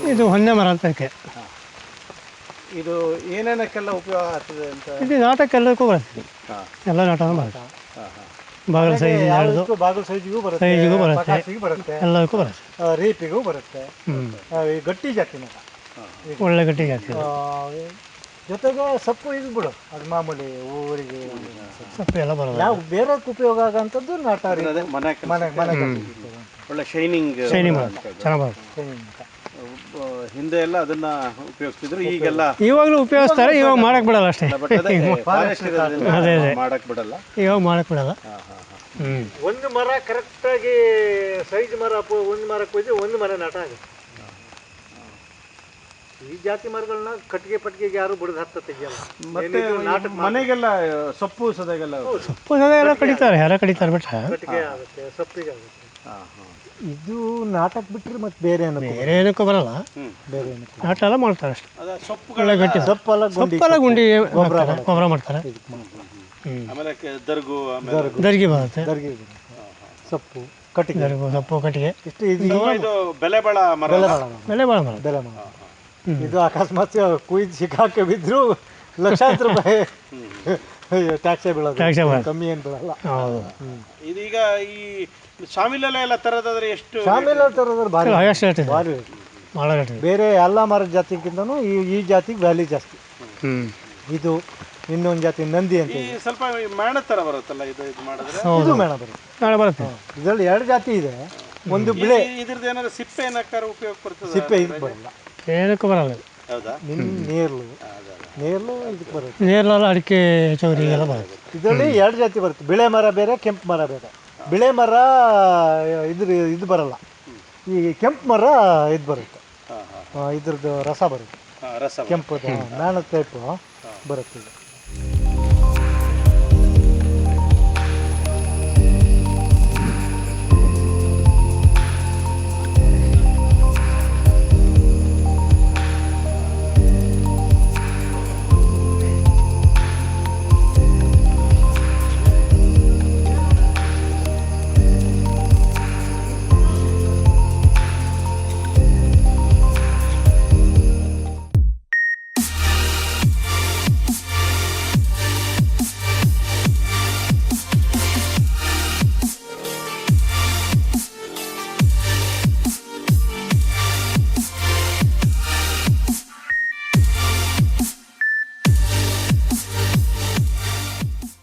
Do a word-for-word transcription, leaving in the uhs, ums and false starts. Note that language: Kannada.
ಇದು ಹೊನ್ನೆ ಮರ ಅಂತ ಅದಕ್ಕೆ. ಇದು ಏನೇನಕ್ಕೆಲ್ಲ ಉಪಯೋಗ ಆಗ್ತದೆ ಅಂತ? ಇದು ನಾಟಕ್ಕೆಲ್ಲಕ್ಕೂ ಬರುತ್ತೆ, ಎಲ್ಲ ನಾಟಕ ಬರುತ್ತೆ. ಬಾಗಿಲು ಸೈಜ್ ಹಿಡಿದು ಬಾಗಿಲು ಸೈಜಿಗೂ ಬರುತ್ತೆ, ಸೈಜಿಗೂ ಬರುತ್ತೆ, ಪಟಾಸಿಗೂ ಬರುತ್ತೆ, ಎಲ್ಲದಕ್ಕೂ ಬರುತ್ತೆ. ಆ, ರೀಪಿಗೂ ಬರುತ್ತೆ. ಈ ಗಟ್ಟಿ ಜಾತಿ ಮರ, ಒಳ್ಳೆ ಗಟ್ಟಿ ಜಾತಿ. ಆ, ಜೊತೆಗೆ ಸೊಪ್ಪು ಇದು ಬಿಡು, ಅದು ಮಾಮೂಲಿ ಊರಿಗೆ ಸೊಪ್ಪು ಎಲ್ಲ ಬರೋದು. ನಾವು ಬೇರೆ ಉಪಯೋಗ ಆಗೋಂಥದ್ದು ನಾಟ ಮನೆ ಮನೆ ಮನೆ ಒಳ್ಳೆ ಶೈನಿಂಗ್ ಶೈನಿಂಗ್ ಬರುತ್ತೆ, ಚೆನ್ನಾಗಿ ಬರುತ್ತೆ. ಹಿಂದೆ ಎಲ್ಲ ಅದನ್ನ ಉಪಯೋಗಿಸ್ತಿದ್ರು, ಈಗೆಲ್ಲ ಇವಾಗಲೂ ಉಪಯೋಗಿಸ್ತಾರೆ, ಇವಾಗ ಮಾಡಕ್ ಬಿಡಲ್ಲ ಅಷ್ಟೇ. ಅದೇ ಅದೇ ಮಾಡಕ್ ಬಿಡಲ್ಲ, ಇವಾಗ ಮಾಡಕ್ ಬಿಡಲ್ಲ. ಹ್ಮ್ ಒಂದು ಮರ ಕರೆಕ್ಟಾಗಿ ಸೈಜ್ ಮರ ಒಂದು ಮರಕ್ಕೆ ಹೋದ್ರೆ ಒಂದು ಮರ ನಾಟ ಆಗುತ್ತೆ. ಈ ಜಾತಿ ಮರಗಳನ್ನ ಕಟ್ಟಿಗೆ ಪಟ್ಟಿಗೆಗೆ ಯಾರು ಬಿಡದು ಹತ್ತ ತೆಗಿಯಲ್ಲ. ಮತ್ತೆ ನಾಟಕ ಮನೆಗೆಲ್ಲ ಸೊಪ್ಪು ಸದೆಗೆಲ್ಲ ಸೊಪ್ಪು ಸದೆ ಎಲ್ಲ ಕಡಿತಾರೆ, ಎಲ್ಲ ಕಡಿತಾರೆ ಬಿಟ್ರೆ ಕಟ್ಟಿಗೆ ಆಗುತ್ತೆ, ಸೊಪ್ಪಿಗೆ ಆಗುತ್ತೆ. ಇದು ನಾಟಕ ಬಿಟ್ಟರೆ ಮತ್ತೆ ಬೇರೆ ಏನು ಬೇರೆ ಏನಕ್ಕೂ ಬರಲ್ಲ, ಬೇರೆ ಏನಕ್ಕೆ ನಾಟ ಎಲ್ಲ ಮಾಡ್ತಾರೆ ಅಷ್ಟೇ. ಸೊಪ್ಪುಗಳ ಗಟ್ಟಿ ಸೊಪ್ಪೆಲ್ಲ ಸೊಪ್ಪೆಲ್ಲ ಗುಂಡಿ ಗೊಬ್ಬರ ಮಾಡ್ತಾರೆ. ಆಮೇಲೆ ದರ್ಗು ದರ್ಗಿ ಬರುತ್ತೆ, ದರ್ಗಿ ಸೊಪ್ಪು ಕಟ್ಟಿಗೆ, ದರ್ಗು ಸೊಪ್ಪು ಕಟ್ಟಿಗೆ. ಇಷ್ಟು ಇದು ಇದು ಬೆಲೆ ಬಾಳ ಮರ, ಬೆಲೆ ಭಾಳ ಮರ, ಬೆಲೆ ಮರ. ಇದು ಅಕಸ್ಮಾತ್ ಕುಯ್ದು ಸಿಕ್ಕಾಕೆ ಬಿದ್ದರೂ ಲಕ್ಷಾಂತರ ರೂಪಾಯಿ ಟ್ಯಾಕ್ಸೇ ಬೀಳೋದು, ಟ್ಯಾಕ್ಸೇ ಬೀಳೋದು, ಕಮ್ಮಿ ಏನು ಬೀಳಲ್ಲ. ಹೌದು. ಇದೀಗ ಈ ಶಾಮಿಲೆಲ್ಲ ಎಲ್ಲ ತರೋದಾದ್ರೆ ಎಷ್ಟು? ಶಾಮಿಲ ತರೋದ್ರ ಭಾರಿ ಹೈಯೆಸ್ಟ್ ರೇಟ್ ಇದೆ, ಭಾರಿ ಭಾಳ ರೇಟ್ ಇದೆ. ಬೇರೆ ಎಲ್ಲ ಮರದ ಜಾತಿಗಿಂತನೂ ಈ ಈ ಜಾತಿಗೆ ವ್ಯಾಲ್ಯೂ ಜಾಸ್ತಿ. ಹ್ಞೂ ಇದು ಇನ್ನೊಂದು ಜಾತಿ ನಂದಿ ಅಂತ ಈ ಸ್ವಲ್ಪ ಮೇಣ ತರ ಬರುತ್ತಲ್ಲ ಇದು, ಇದು ಮಾಡಿದ್ರೆ ಇದು ಮೇಣ ಬರುತ್ತೆ. ನಾಳೆ ಬರುತ್ತೆ. ಇದರಲ್ಲಿ ಎರಡು ಜಾತಿ ಇದೆ, ಒಂದು ಬಿಳೆ ಇದ್ರದ್ದು ಏನಾದ್ರು ಸಿಪ್ಪೆ ಏನಕ್ಕಾರ ಉಪಯೋಗ ಬರ್ತದೆ? ಸಿಪ್ಪೆ ಇದಕ್ಕೆ ಬರಲ್ಲ, ಏನಕ್ಕೂ ಬರಲ್ಲ. ಹೌದಾ? ನಿನ್ನ ನೇರ್ಲು ನೇರ್ಲು ಇದಕ್ಕೆ ಬರುತ್ತೆ. ನೇರಳೆಲ್ಲ ಅಡಿಕೆ ಚೌರಿಗೆಲ್ಲ ಬರುತ್ತೆ. ಇದರಲ್ಲಿ ಎರಡು ಜಾತಿ ಬರುತ್ತೆ, ಬಿಳೆ ಮರ ಬೇರೆ, ಕೆಂಪು ಮರ ಬೇರೆ. ಬಿಳೆ ಮರ ಇದ್ರ ಇದು ಬರಲ್ಲ, ಈ ಕೆಂಪು ಮರ ಇದು ಬರುತ್ತೆ, ಇದ್ರದ್ದು ರಸ ಬರುತ್ತೆ, ರಸ ಕೆಂಪು ಮೇಣದ ಟೈಪು ಬರುತ್ತೆ ಇದು.